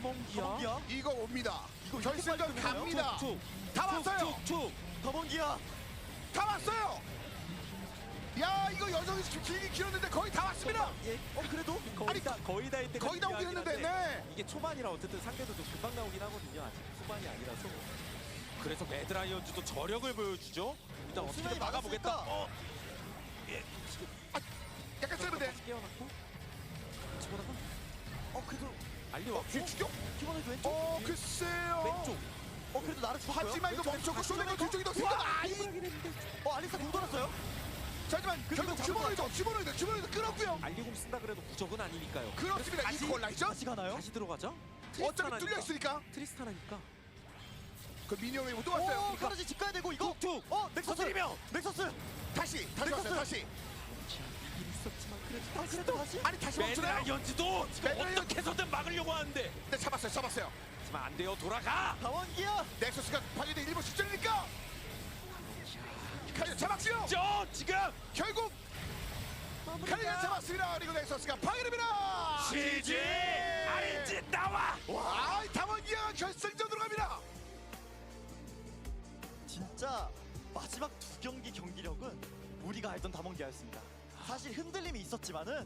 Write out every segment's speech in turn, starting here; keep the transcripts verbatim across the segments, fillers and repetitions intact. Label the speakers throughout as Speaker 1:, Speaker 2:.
Speaker 1: 다몽기야?
Speaker 2: 다몽기야?
Speaker 3: 이거 옵니다.
Speaker 2: 이거
Speaker 3: 결승전
Speaker 2: 이렇게 빨리
Speaker 3: 갑니다.
Speaker 1: 툭,
Speaker 3: 다 왔어요.
Speaker 1: 툭툭.
Speaker 2: 다몽기야.
Speaker 3: 다 왔어요. 야 이거 여정이 길게 길었는데 거의 다 왔습니다.
Speaker 2: 예. 어 그래도
Speaker 1: 거의
Speaker 3: 아니,
Speaker 1: 다 거의 다 이때가
Speaker 3: 거의 다 오긴 했는데, 네.
Speaker 1: 이게 초반이라 어쨌든 상대도 좀 금방 나오긴 하거든요. 아직 후반이 아니라서. 그래서 매드라이언즈도 저력을 보여주죠. 일단
Speaker 2: 어,
Speaker 1: 어떻게든
Speaker 2: 수면이
Speaker 1: 막아보겠다.
Speaker 2: 막았으니까.
Speaker 1: 어,
Speaker 3: 약간 세는데.
Speaker 1: 깨어났고. 치고다가
Speaker 2: 어 그래도
Speaker 1: 알리왔고.
Speaker 3: 뒤 죽여?
Speaker 2: 기본에도 왼쪽.
Speaker 3: 어 글쎄요.
Speaker 1: 왼쪽.
Speaker 2: 어 그래도 나를 죽었고요.
Speaker 3: 하지만 이거 멈췄고 쇼네가 뒤쪽이 더 생각. 아이.
Speaker 2: 어 알리스타 공 돌았어요.
Speaker 3: 자, 하지만 결국
Speaker 2: 잡은
Speaker 3: 주머니도 주머니도 주머니도 끌었고요.
Speaker 1: 알리공 쓴다 그래도 무적은 아니니까요.
Speaker 3: 그렇습니다.
Speaker 1: 다시-
Speaker 3: 이퀄 라이저.
Speaker 2: 다시 가나요?
Speaker 1: 다시 들어가죠?
Speaker 3: 어차피 뚫려 있으니까.
Speaker 1: 트리스타나니까.
Speaker 3: 그 미니언이 또
Speaker 2: 오
Speaker 3: 왔어요.
Speaker 2: 카르지 집 가야 되고 이거.
Speaker 1: 툭툭.
Speaker 2: 어 넥서스.
Speaker 1: 터뜨리며.
Speaker 2: 넥서스.
Speaker 3: 다시 다시 왔어요. 다시.
Speaker 1: 이긴 있었지만 그래도
Speaker 2: 아 그래도 다시.
Speaker 3: 아니 다시 멈추나요?
Speaker 1: 매드라이언즈도 지금
Speaker 3: 매드라이언-
Speaker 1: 어떻게 해서든 막으려고 하는데.
Speaker 3: 네 잡았어요. 잡았어요.
Speaker 1: 하지만 안 돼요. 돌아가.
Speaker 2: 다원기야.
Speaker 3: 넥서스가 파괴된 일본 실전이니까. 카리가 잡았지요.
Speaker 1: 저 지금
Speaker 3: 결국 카리가 잡았습니다. 그리고 넥서스가 파괴됩니다.
Speaker 1: 지지 아린지 나와.
Speaker 3: 와, 담원기아 결승전으로 갑니다.
Speaker 2: 진짜 마지막 두 경기 경기력은 우리가 알던 다몽기아였습니다. 사실 흔들림이 있었지만은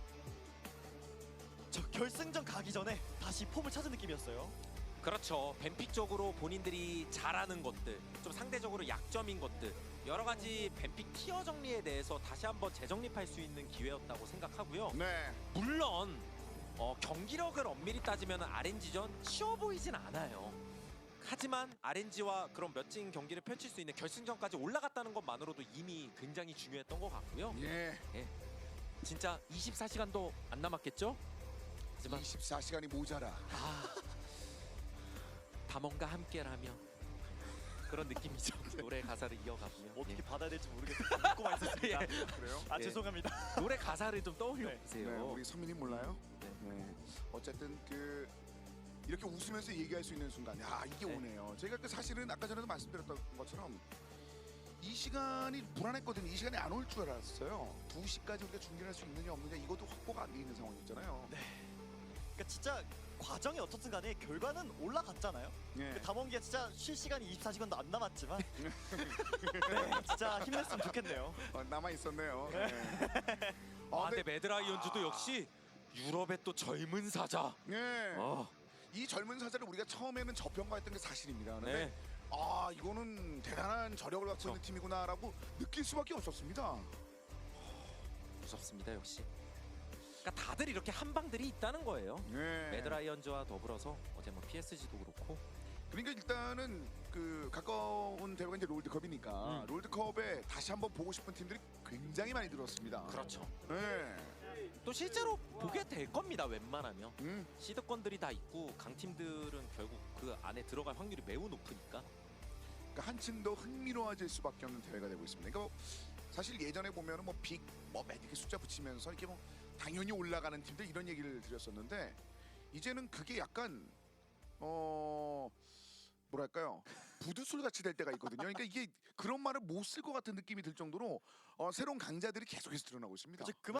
Speaker 2: 저 결승전 가기 전에 다시 폼을 찾은 느낌이었어요.
Speaker 1: 그렇죠. 뱀픽적으로 본인들이 잘하는 것들, 좀 상대적으로 약점인 것들, 여러 가지 뱀픽 티어 정리에 대해서 다시 한번 재정립할 수 있는 기회였다고 생각하고요.
Speaker 3: 네.
Speaker 1: 물론 어, 경기력을 엄밀히 따지면 알엔지전 쉬워 보이진 않아요. 하지만 알엔지와 그런 멋진 경기를 펼칠 수 있는 결승전까지 올라갔다는 것만으로도 이미 굉장히 중요했던 것 같고요.
Speaker 3: 예.
Speaker 1: 예. 진짜 이십사 시간도 안 남았겠죠? 하지만
Speaker 3: 이십사 시간이 모자라.
Speaker 1: 아, 담원과 함께라면 그런 느낌이죠. 노래 가사를 이어가고요.
Speaker 2: 어떻게
Speaker 1: 예.
Speaker 2: 받아야 될지 모르겠어요. 듣고만 있었습니다.
Speaker 1: 예.
Speaker 3: 그래요?
Speaker 2: 아
Speaker 1: 예.
Speaker 2: 죄송합니다.
Speaker 1: 노래 가사를 좀 떠올려
Speaker 2: 네.
Speaker 1: 보세요.
Speaker 3: 네, 우리 선민님 몰라요?
Speaker 1: 네.
Speaker 3: 네. 어쨌든 그 이렇게 웃으면서 얘기할 수 있는 순간, 야 이게
Speaker 1: 네.
Speaker 3: 오네요. 제가 그 사실은 아까 전에도 말씀드렸던 것처럼 이 시간이 불안했거든요. 이 시간이 안 올 줄 알았어요. 두 시까지 우리가 중계할 수 있느냐 없느냐 이것도 확보가 안 돼 있는 상황이었잖아요.
Speaker 2: 네. 그러니까 진짜 과정이 어떻든 간에 결과는 올라갔잖아요.
Speaker 3: 네.
Speaker 2: 그 담원기가 진짜 쉴 시간이 이십사 시간도 안 남았지만 네, 진짜 힘냈으면 좋겠네요.
Speaker 3: 어, 남아 있었네요. 네.
Speaker 1: 아,
Speaker 3: 아,
Speaker 1: 근데 매드라이언즈도 역시 유럽의 또 젊은 사자.
Speaker 3: 네.
Speaker 1: 어,
Speaker 3: 이 젊은 사자를 우리가 처음에는 저평가했던 게 사실입니다. 근데
Speaker 1: 네.
Speaker 3: 아 이거는 대단한 저력을 갖고
Speaker 1: 그렇죠.
Speaker 3: 있는 팀이구나라고 느낄 수밖에 없었습니다.
Speaker 1: 무섭습니다 역시. 그러니까 다들 이렇게 한방들이 있다는 거예요.
Speaker 3: 네.
Speaker 1: 매드라이언즈와 더불어서 어제 뭐 피에스지도 그렇고.
Speaker 3: 그러니까 일단은 그 가까운 대회가 이제 롤드컵이니까
Speaker 1: 음.
Speaker 3: 롤드컵에 다시 한번 보고 싶은 팀들이 굉장히 많이 들었습니다.
Speaker 1: 그렇죠.
Speaker 3: 네.
Speaker 1: 또 실제로 보게 될 겁니다. 웬만하면
Speaker 3: 음.
Speaker 1: 시드권들이 다 있고 강팀들은 결국 그 안에 들어갈 확률이 매우 높으니까.
Speaker 3: 그러니까 한층 더 흥미로워질 수밖에 없는 대회가 되고 있습니다. 그러니까 뭐 사실 예전에 보면은 뭐 빅, 뭐 메딕 숫자 붙이면서 이렇게 뭐 당연히 올라가는 팀들 이런 얘기를 드렸었는데 이제는 그게 약간 어 뭐랄까요 부두술 같이 될 때가 있거든요. 그러니까 이게 그런 말을 못 쓸 것 같은 느낌이 들 정도로 어, 새로운 강자들이 계속해서 드러나고 있습니다.
Speaker 2: 그만